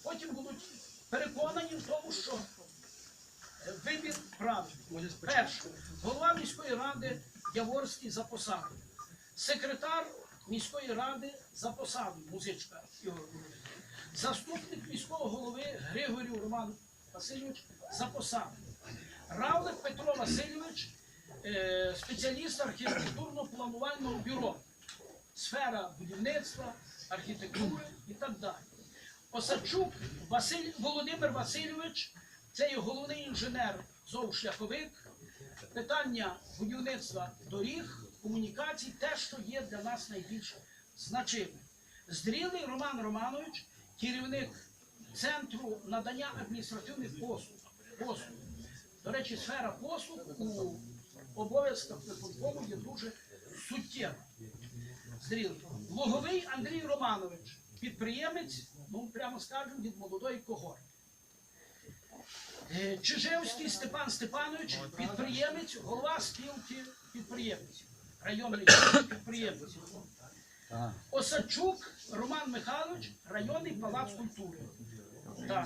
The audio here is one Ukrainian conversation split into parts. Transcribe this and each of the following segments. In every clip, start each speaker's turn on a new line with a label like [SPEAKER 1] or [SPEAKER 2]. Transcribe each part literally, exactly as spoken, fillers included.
[SPEAKER 1] потім будуть переконані в тому, що вибір правильний. Перше, голова міської ради Яворський за посаду. Секретар міської ради за посаду, Музичка Ігор Володимирович. Заступник міського голови Григорів Роман Васильович за посаду. Равлик Петро Васильович, е, спеціаліст архітектурно-планувального бюро. Сфера будівництва, архітектури і так далі. Осадчук Василь, Володимир Васильович, це є головний інженер зовшляховик, питання будівництва доріг, комунікацій, те, що є для нас найбільш значимим. Здрілий Роман Романович, керівник Центру надання адміністративних послуг. послуг. До речі, сфера послуг у обов'язках виконкому є дуже суттєва. Здрілий. Луговий Андрій Романович, підприємець, ну прямо скажемо, від молодої когорти. Чижевський Степан Степанович, підприємець, голова спілки підприємців, районний підприємець. Осадчук Роман Михайлович, районний палац культури. Так.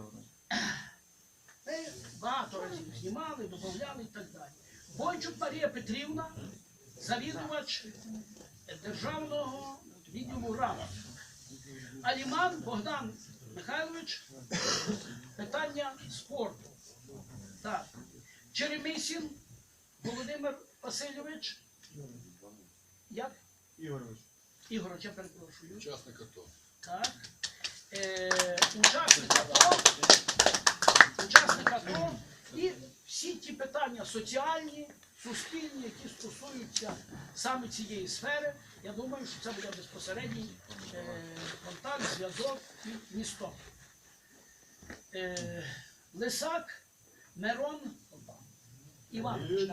[SPEAKER 1] Ми багато разів знімали, додавали і так далі. Бойчук Марія Петрівна, завідувач державного відділу РАВ. Аліман Богдан Михайлович, питання спорту. Так. Черемисін Володимир Васильович. Як?
[SPEAKER 2] Ігорович.
[SPEAKER 1] Ігорович, я перепрошую.
[SPEAKER 3] Учасник АТО.
[SPEAKER 1] Так. Е, учасник АТО. Учасник АТО. І всі ті питання соціальні, суспільні, які стосуються саме цієї сфери, я думаю, що це буде безпосередній е, контакт, зв'язок і місто. Е, Лисак Мирон Іванович.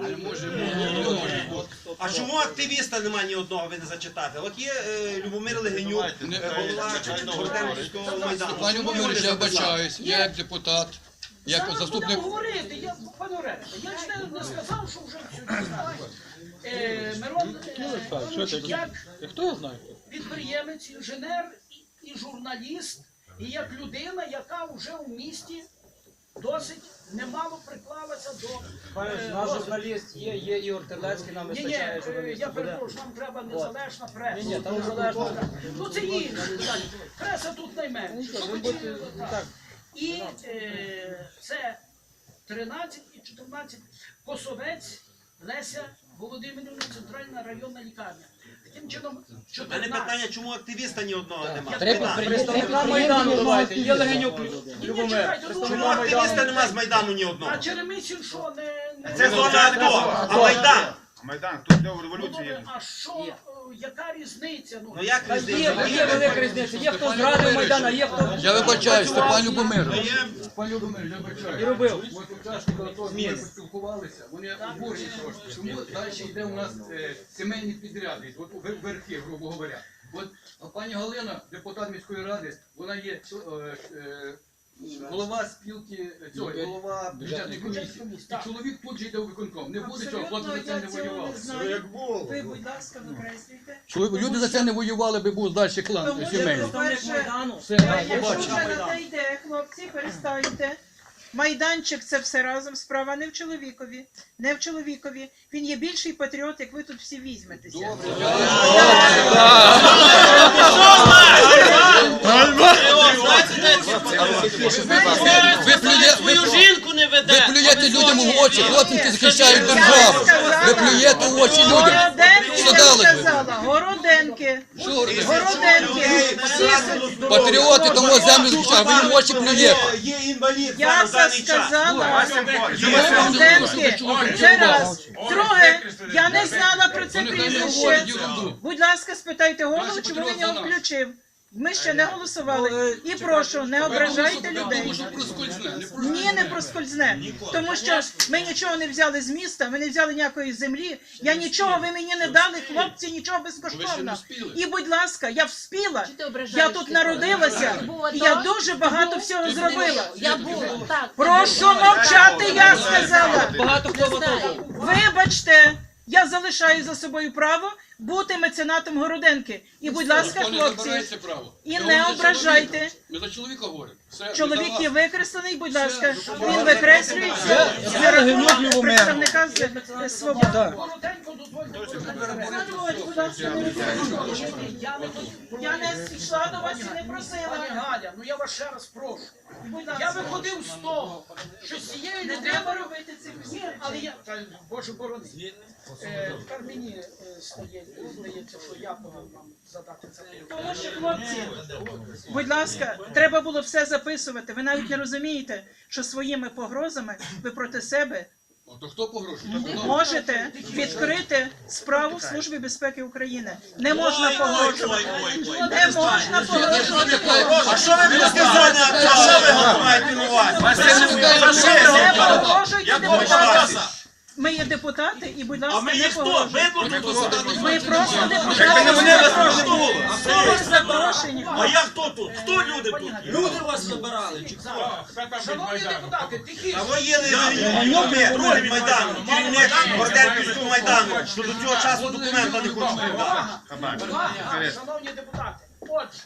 [SPEAKER 4] А чому активіста немає ні одного, ви не зачитати? От є е, Любомир Легенюк, е, голова Бортенського майдану.
[SPEAKER 3] Пане Любомирович, я вибачаюсь, я як депутат, як
[SPEAKER 1] Зараз
[SPEAKER 3] заступник...
[SPEAKER 1] будемо говорити, я, пане Оресте, я ж не, не сказав, що вже все знаю. Е, Мирон е, Іванович, як підприємець, інженер і, і журналіст, і як людина, яка вже у місті досить немало приклалася до...
[SPEAKER 2] Пане, наш журналіст є, є Ігор Терлецький, нам
[SPEAKER 1] Ні, ні,
[SPEAKER 2] вистачає журналістів.
[SPEAKER 1] я перепрошую, нам треба незалежна преса.
[SPEAKER 2] Ні, ні, там незалежна.
[SPEAKER 1] Ну це інше питання. Преса тут найменше.
[SPEAKER 2] Ви будете, так.
[SPEAKER 1] І е, це тринадцять і чотирнадцять. Косовець Леся Володимирівна, центральна районна лікарня. Таким чином,
[SPEAKER 4] У мене
[SPEAKER 1] чотирнадцять.
[SPEAKER 4] питання, чому активіста ні одного немає?
[SPEAKER 2] Треба представника Майдану давайте. Є Легенюк Любомир.
[SPEAKER 4] Чому активіста немає з Майдану ні одного?
[SPEAKER 1] А Черемисін що, не... не...
[SPEAKER 4] Це зона АТО, а Майдан?
[SPEAKER 5] Майдан, тут де
[SPEAKER 1] Ну,
[SPEAKER 5] революція є.
[SPEAKER 1] добре, а що, е, яка різниця?
[SPEAKER 4] Ну як
[SPEAKER 2] Є,
[SPEAKER 4] різниця?
[SPEAKER 2] є велика різниця. Є хто зрадив Майдан, а є хто...
[SPEAKER 3] Я вибачаюсь, Степан Любомирович.
[SPEAKER 5] Пан Любомир, я бачаю.
[SPEAKER 2] І робив.
[SPEAKER 5] От учасники АТО ми поспілкувалися, вони обурені трошки. Чому далі йде у нас е, сімейні підряди, от у вер- верхи, грубо говоря. От а пані Галина, депутат міської ради, вона є е, е, голова спілки, цього, голова бюджетної комісії. І чоловік тут же йде у виконком. Не буде цього, хлопці за це не воювали.
[SPEAKER 6] Ви, будь ласка, викреслюйте.
[SPEAKER 3] Чоловік, люди за це не воювали, би був далі клан
[SPEAKER 6] Тому що
[SPEAKER 3] сімейний.
[SPEAKER 6] представник
[SPEAKER 2] Майдану.
[SPEAKER 3] Все,
[SPEAKER 6] Якщо
[SPEAKER 3] побачимо.
[SPEAKER 6] вже на те йде, хлопці, перестаньте. Майданчик це все разом, справа не в чоловікові, не в чоловікові. Він є більший патріот, як ви тут всі візьметеся.
[SPEAKER 3] Ви плює- ви-
[SPEAKER 4] жінку не веде!
[SPEAKER 3] Ви плюєте людям в очі, хлопці, які захищають державу. Ви плюєте в очі людям.
[SPEAKER 6] Городенки,
[SPEAKER 3] Що
[SPEAKER 6] я
[SPEAKER 3] дали?
[SPEAKER 6] сказала, городенки.
[SPEAKER 3] Що говорите?
[SPEAKER 6] Городенки. Всі
[SPEAKER 3] Патріоти тому землю захищають, ви їм в очі плюєте.
[SPEAKER 4] Є інвалід
[SPEAKER 6] Я
[SPEAKER 4] зараз в
[SPEAKER 6] це
[SPEAKER 4] даний час.
[SPEAKER 6] сказала.
[SPEAKER 3] Є
[SPEAKER 6] Городенки. Це раз. Друге, я не знала про це
[SPEAKER 3] Вони хай не
[SPEAKER 6] прізвище.
[SPEAKER 3] говорять ерунду.
[SPEAKER 6] Будь ласка, спитайте голову,
[SPEAKER 3] Наші
[SPEAKER 6] чому він
[SPEAKER 3] патріоти
[SPEAKER 6] його
[SPEAKER 3] за нас.
[SPEAKER 6] включив. Ми ще не голосували. І прошу, не ображайте людей.
[SPEAKER 3] Тому що проскользне, не проскользне.
[SPEAKER 6] Ні, не проскользне. Тому що ми нічого не взяли з міста, ми не взяли ніякої землі. Я нічого, ви мені не дали, хлопці, нічого безкоштовно. І, будь ласка, я вспіла. Я тут народилася, і я дуже багато всього зробила.
[SPEAKER 7] Я була, так.
[SPEAKER 6] Прошу мовчати, я сказала.
[SPEAKER 2] Багато хто готовий.
[SPEAKER 6] Вибачте, я залишаю за собою право бути меценатом Городенки. І, будь ласка,
[SPEAKER 5] Ніхто не забирає
[SPEAKER 6] хлопці,
[SPEAKER 5] це право.
[SPEAKER 6] і
[SPEAKER 5] Ми
[SPEAKER 6] не
[SPEAKER 5] говоримо за
[SPEAKER 6] ображайте.
[SPEAKER 5] чоловіка. Ми за чоловіка говоримо. Все, ми за
[SPEAKER 6] Чоловік
[SPEAKER 5] вас.
[SPEAKER 6] є викреслений, будь ласка,
[SPEAKER 5] Все,
[SPEAKER 6] він викреслюється за рахунок представника з з свободи.
[SPEAKER 1] Коротенько дозвольте.
[SPEAKER 6] Будь ласка, не робіть.
[SPEAKER 1] Я не хотів.
[SPEAKER 6] Я не йшла до вас і не
[SPEAKER 1] Пані
[SPEAKER 6] просила.
[SPEAKER 1] Галя, ну я вас ще раз прошу.
[SPEAKER 6] Будь
[SPEAKER 1] Я
[SPEAKER 6] ласка.
[SPEAKER 1] виходив з того, що з цієї
[SPEAKER 6] Не
[SPEAKER 1] людини...
[SPEAKER 6] треба робити цих
[SPEAKER 1] Ні, але я... Та, Боже борони. Е, тепер мені е, стає, здається, що я повинен вам задати це питання.
[SPEAKER 6] Тому що, хлопці, будь ласка, треба було все записувати. Ви навіть не розумієте, що своїми погрозами ви проти себе
[SPEAKER 5] О, то хто погрожує? Так, хто?
[SPEAKER 6] можете відкрити справу в Службі безпеки України. Не можна погрожувати. Не можна погрожувати.
[SPEAKER 4] А що ви мені сказали? А що ви маєте на увазі?
[SPEAKER 6] Не погрожуйте
[SPEAKER 4] Я
[SPEAKER 6] депутатам.
[SPEAKER 4] бачу.
[SPEAKER 6] Ми є депутати і, будь
[SPEAKER 4] А
[SPEAKER 6] ласка,
[SPEAKER 4] ми
[SPEAKER 6] не
[SPEAKER 4] є хто?
[SPEAKER 6] погрожуйте.
[SPEAKER 4] Ви тут тут?
[SPEAKER 6] Ми просто
[SPEAKER 4] Ви
[SPEAKER 6] депутати.
[SPEAKER 4] мене запрошували.
[SPEAKER 6] Ви запрошені.
[SPEAKER 4] А я хто тут? Хто люди тут?
[SPEAKER 1] Люди вас забирали, чи хто? Шановні депутати, тихіше.
[SPEAKER 4] А ви є роль Майдану, керівник Городенківського Майдану, що до цього часу документа не хочуть подати.
[SPEAKER 1] Увага! Увага, шановні депутати. Отже,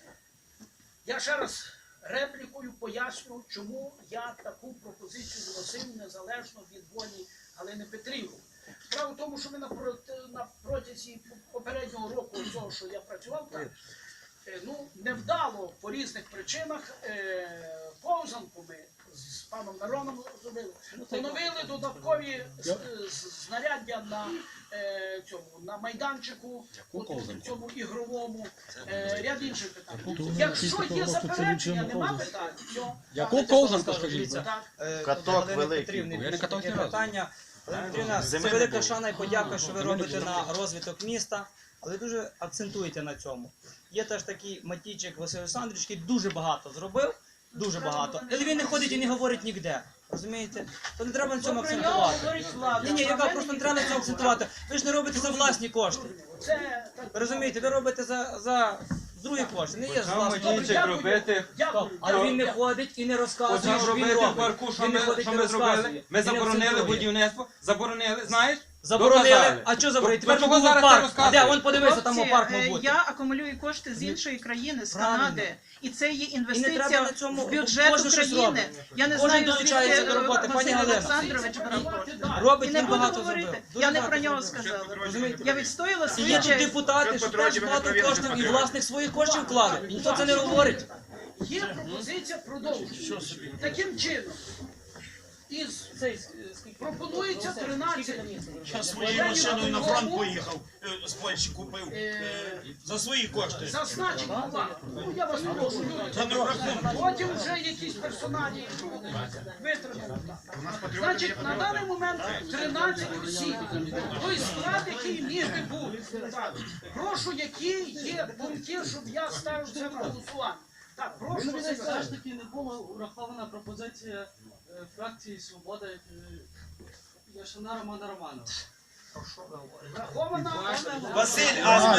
[SPEAKER 1] я ще раз реплікою поясню, чому я таку пропозицію вносив незалежно від волі Галини Петрівни. Справа в тому, що ми на, проти, на протязі попереднього року, цього, що я працював там, е, ну, невдало по різних причинах е, повзанку ми з паном Мироном зробили. Поновили додаткові з- з- знаряддя на е, цьому на майданчику, от, в цьому ігровому, е, ряд інших питань. Якщо є заперечення, нема питань, все.
[SPEAKER 3] Яку ковзанку, скажіть?
[SPEAKER 1] Так.
[SPEAKER 7] Каток великий.
[SPEAKER 3] Я не катався ні разу.
[SPEAKER 7] питання. Олена Петрівна, це велика шана і подяка, що ви робите на розвиток міста, але дуже акцентуєте на цьому. Є теж такий Матійчик Василь Олександрович, який дуже багато зробив, дуже багато, але він не ходить і не говорить ніде. Розумієте? То не треба на цьому
[SPEAKER 6] Про нього
[SPEAKER 7] акцентувати.
[SPEAKER 6] говорить влада.
[SPEAKER 7] Ні, ні, яка просто не треба на цьому акцентувати. Ви ж не робите за власні кошти.
[SPEAKER 1] Це так.
[SPEAKER 7] Ви розумієте, ви робите за, за другі кошти, не є з власних.
[SPEAKER 1] Добре, дякую.
[SPEAKER 2] робити.
[SPEAKER 1] Дякую.
[SPEAKER 7] Але він не ходить і не розказує,
[SPEAKER 2] Оце
[SPEAKER 7] що він
[SPEAKER 2] робити в
[SPEAKER 7] робить.
[SPEAKER 2] парку, що
[SPEAKER 7] Він не
[SPEAKER 2] ми,
[SPEAKER 7] ходить
[SPEAKER 2] що
[SPEAKER 7] і
[SPEAKER 2] ми
[SPEAKER 7] не
[SPEAKER 2] зробили.
[SPEAKER 7] розказує.
[SPEAKER 2] Ми
[SPEAKER 7] І не
[SPEAKER 2] заборонили
[SPEAKER 7] акцентує.
[SPEAKER 2] будівництво, заборонили, знаєш?
[SPEAKER 7] Заборонили.
[SPEAKER 2] Доказали.
[SPEAKER 7] А що заборонили?
[SPEAKER 2] То-
[SPEAKER 7] Тепер
[SPEAKER 2] то чого
[SPEAKER 7] буде
[SPEAKER 2] зараз ти
[SPEAKER 7] парк. А де?
[SPEAKER 2] розказуєш?
[SPEAKER 7] Вон подивися, там
[SPEAKER 6] Хлопці,
[SPEAKER 7] парк
[SPEAKER 6] е,
[SPEAKER 7] мав бути.
[SPEAKER 6] я акумулюю кошти з іншої країни, з
[SPEAKER 7] Правильно.
[SPEAKER 6] Канади. І це є
[SPEAKER 7] І не треба
[SPEAKER 6] інвестиція
[SPEAKER 7] на цьому,
[SPEAKER 6] в бюджет
[SPEAKER 7] кожен щось
[SPEAKER 6] України.
[SPEAKER 7] робить.
[SPEAKER 6] Я не
[SPEAKER 7] Кожен
[SPEAKER 6] знаю,
[SPEAKER 7] долучається
[SPEAKER 6] звідки
[SPEAKER 7] до роботи. Пані
[SPEAKER 6] Василь
[SPEAKER 7] Галина.
[SPEAKER 6] Олександрович брав кошти.
[SPEAKER 7] Робить
[SPEAKER 6] І не
[SPEAKER 7] він
[SPEAKER 6] буду
[SPEAKER 7] багато
[SPEAKER 6] говорити.
[SPEAKER 7] зробив.
[SPEAKER 6] Я
[SPEAKER 7] Дуже
[SPEAKER 6] не
[SPEAKER 7] багато
[SPEAKER 6] про нього
[SPEAKER 7] зробив.
[SPEAKER 6] сказала.
[SPEAKER 7] Розумієте?
[SPEAKER 6] Я відстояла
[SPEAKER 7] І
[SPEAKER 6] свою
[SPEAKER 7] є тут
[SPEAKER 6] честь.
[SPEAKER 7] депутати, що теж багато коштів і власних своїх коштів вкладуть. І ніхто це не говорить.
[SPEAKER 1] Є пропозиція продовжити. Таким чином, із пропонується тринадцять.
[SPEAKER 4] Я своєю машиною на фронт поїхав, е, з Польщі купив
[SPEAKER 1] Е,
[SPEAKER 4] е, за свої кошти.
[SPEAKER 1] Зазначить увагу. Ну я вас прошу, люди. Потім вже якісь персоналі витримали. Значить, на даний момент тринадцять осіб. Той склад, який міг би бути. Так. Прошу, які є думки, щоб я ставив це на голосування. Так, прошу
[SPEAKER 8] Все
[SPEAKER 1] Василь.
[SPEAKER 8] ж таки не була врахована пропозиція е, фракції Свобода е, Яшина Романа Романова.
[SPEAKER 1] Врахована.
[SPEAKER 4] Василь, а з